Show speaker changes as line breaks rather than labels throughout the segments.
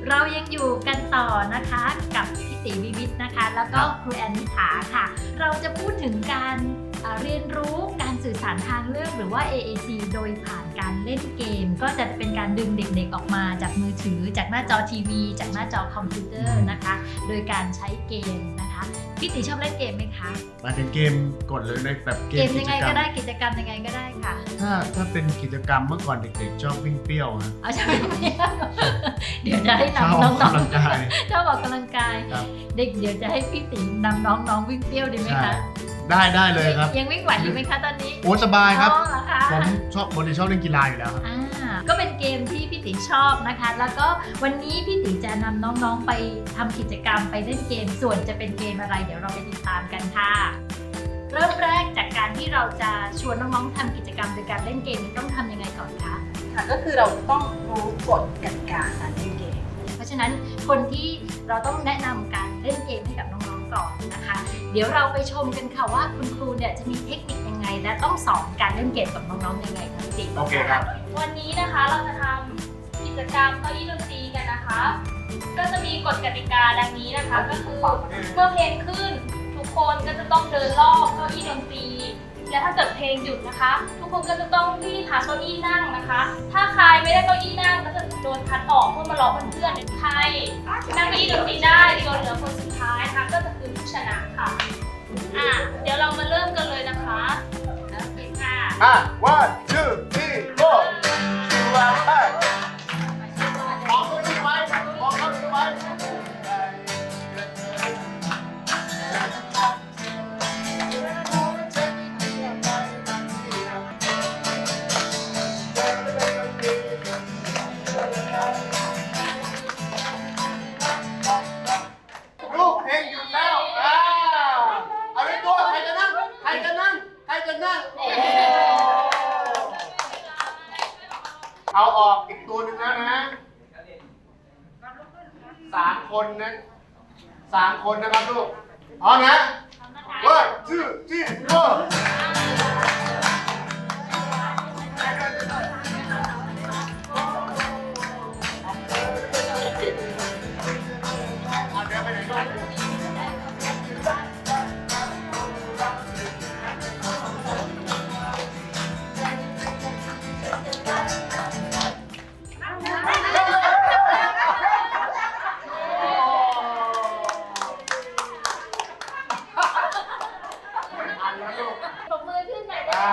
เรายังอยู่กันต่อนะคะกับพี่ติวิวิทย์นะคะแล้วก็ครูแอนนิถาค่ะ เราจะพูดถึงการเรียนรู้การสื่อสารทางเลือกหรือว่า AAC โดยผ่านการเล่นเกมก็จะเป็นการดึงเด็กๆออกมาจากมือถือจากหน้าจอทีวีจากหน้าจอคอมพิวเตอร์นะคะโดยการใช้เกมนะคะพี่ติชอบเล่นเกมไหมคะ
มาถึงเกมกดเลยในแบบเกม
ยังไงก็ได้กิจกรรมยังไงก็ได้ค่ะ
ถ้าเป็นกิจกรรมเมื่อก่อนเด็กๆชอบวิ่งเปรี้ยวนะ
เอาใช่ไหมเดี๋ยวจะให้นำน้องๆชอบออกกำลังกายเด็กเดี๋ยวจะให้พี่ติ๋มนำน้องๆวิ่งเปรี้ยวดีไหมคะ
ได้เลยครับ
ยังวิ่งไหวอยู่ไหมคะตอนนี้
โอ้สบายครับผมชอบเล่นกีฬาอยู่แล้วครับ
ก็เป็นเกมที่พี่ติ๋มชอบนะคะแล้วก็วันนี้พี่ติ๋มจะนำน้องๆไปทำกิจกรรมไปเล่นเกมส่วนจะเป็นเกมอะไรเดี๋ยวเราไปติดตามกันค่ะเริ่มแรกจากการที่เราจะชวนน้องๆทำกิจกรรมโดยการเล่นเกมต้องทำยังไงก่อนคะ
ค่ะก็คือเราต้องรู้กฎกติกาการเล่นเกม
เพราะฉะนั้นคนที่เราต้องแนะนำการเล่นเกมให้กับน้องๆก่อนนะคะเดี๋ยวเราไปชมกันค่ะว่าคุณครูเนี่ยจะมีเทคนิคยังไงและต้องสอนการเล่นเกมกับน้องๆยังไงคะพี่ติ๋ม
โอเคครับ
วันนี้นะคะเราจะทำกิจกรรมเก้าอี้ดนตรีกันนะคะก็จะมีกฎกติกาดังนี้นะคะก็คือเมื่อเพลงขึ้นทุกคนก็จะต้องเดินรอบเก้าอี้ดนตรีและถ้าเกิดเพลงหยุดนะคะทุกคนก็จะต้องรีบหาเก้าอี้นั่งนะคะถ้าใครไม่ได้เก้าอี้นั่งก็จะโดนคัดออกเพื่อมารอเพื่อนๆใครนั่งเก้าอี้ดนตรีได้จนเหลือคนสุดท้ายนะคะก็จะคือผู้ชนะค่ะเดี๋ยวเรามาเริ่มกันเลยนะคะโอเคค่ะ
1 2 3 4มองเข้าที่ไว้มองเข้าที่ไว้ลูกเพลงหยุดแล้วเอาไว้ตัวใครจะนั่งเอาออกอีกตัวหนึ่งแล้วนะ3 คนนะครับลูกเอานะ1 2 3 4
ปรบมือขึ้นหน่อยได้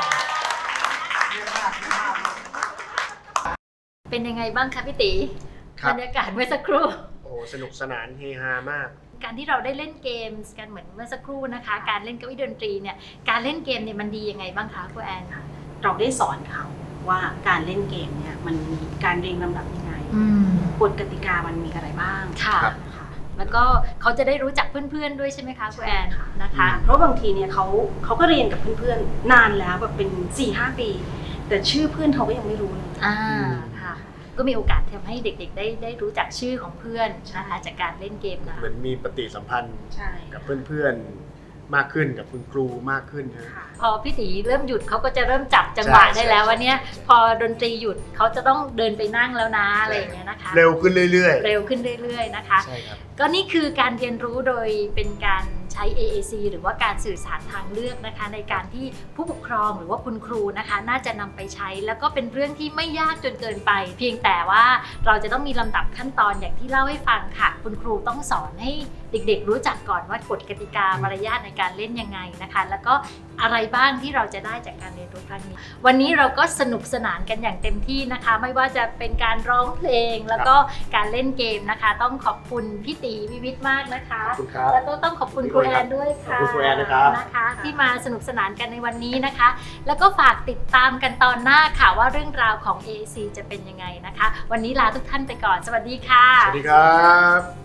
เป็นยังไงบ้างคะพี่ติบรรยากาศเมื่อสักครู่
โอ้สนุกสนานเฮฮามาก
การที่เราได้เล่นเกมกันเหมือนเมื่อสักครู่นะคะการเล่นเก้าอี้ดนตรีเนี่ยการเล่นเกมเนี่ยมันดียังไงบ้างคะครูแอน
เราได้สอนเขาว่าการเล่นเกมเนี่ยมันมีการเรียงลำดับยังไงกฎกติกามันมีอะไรบ้าง
ค่ะแล้วก็เขาจะได้รู้จักเพื่อนๆด้วยใช่ไหมคะครูแอนนะคะ
เพราะบางทีเนี่ยเขาก็เรียนกับเพื่อนๆนานแล้วแบบเป็น 4-5 ปีแต่ชื่อเพื่อนเขาก็ยังไม่รู้เลย
ค่ะก็มีโอกาสทำให้เด็กๆได้รู้จักชื่อของเพื่อนนะคะจากการเล่นเกมนะ
เหมือนมีปฏิสัมพันธ์กับเพื่อนๆมากขึ้นกับคุณครูมากขึ้นนะ
พอพี่ตีเริ่มหยุดเขาก็จะเริ่มจับจังหวะได้แล้วว่าเนี่ยพอดนตรีหยุดเขาจะต้องเดินไปนั่งแล้วนะอะไรอย่างเงี้ยนะคะ
เร็วขึ้นเรื่
อยๆนะคะก็นี่คือการเรียนรู้โดยเป็นการใช้ AAC หรือว่าการสื่อสารทางเลือกนะคะในการที่ผู้ปกครองหรือว่าคุณครูนะคะน่าจะนำไปใช้แล้วก็เป็นเรื่องที่ไม่ยากจนเกินไปเพียงแต่ว่าเราจะต้องมีลำดับขั้นตอนอย่างที่เล่าให้ฟังค่ะคุณครูต้องสอนให้เด็กๆรู้จักก่อนว่ากฎกติกามารยาทในการเล่นยังไงนะคะแล้วก็อะไรบ้างที่เราจะได้จากการเรียนรู้ครั้งนี้วันนี้เราก็สนุกสนานกันอย่างเต็มที่นะคะไม่ว่าจะเป็นการร้องเพลงแล้วก็การเล่นเกมนะคะต้องขอบคุณพี่ตีวิวิทย์มากนะคะแล้วก็ต้องขอบคุณครูแอนด้วยค่ะ
ครูแอนนะครับ
นะคะที่มาสนุกสนานกันในวันนี้นะคะแล้วก็ฝากติดตามกันตอนหน้าค่ะว่าเรื่องราวของ AAC จะเป็นยังไงนะคะวันนี้ลาทุกท่านไปก่อนสวัสดีค่ะ
สวัสดีครับ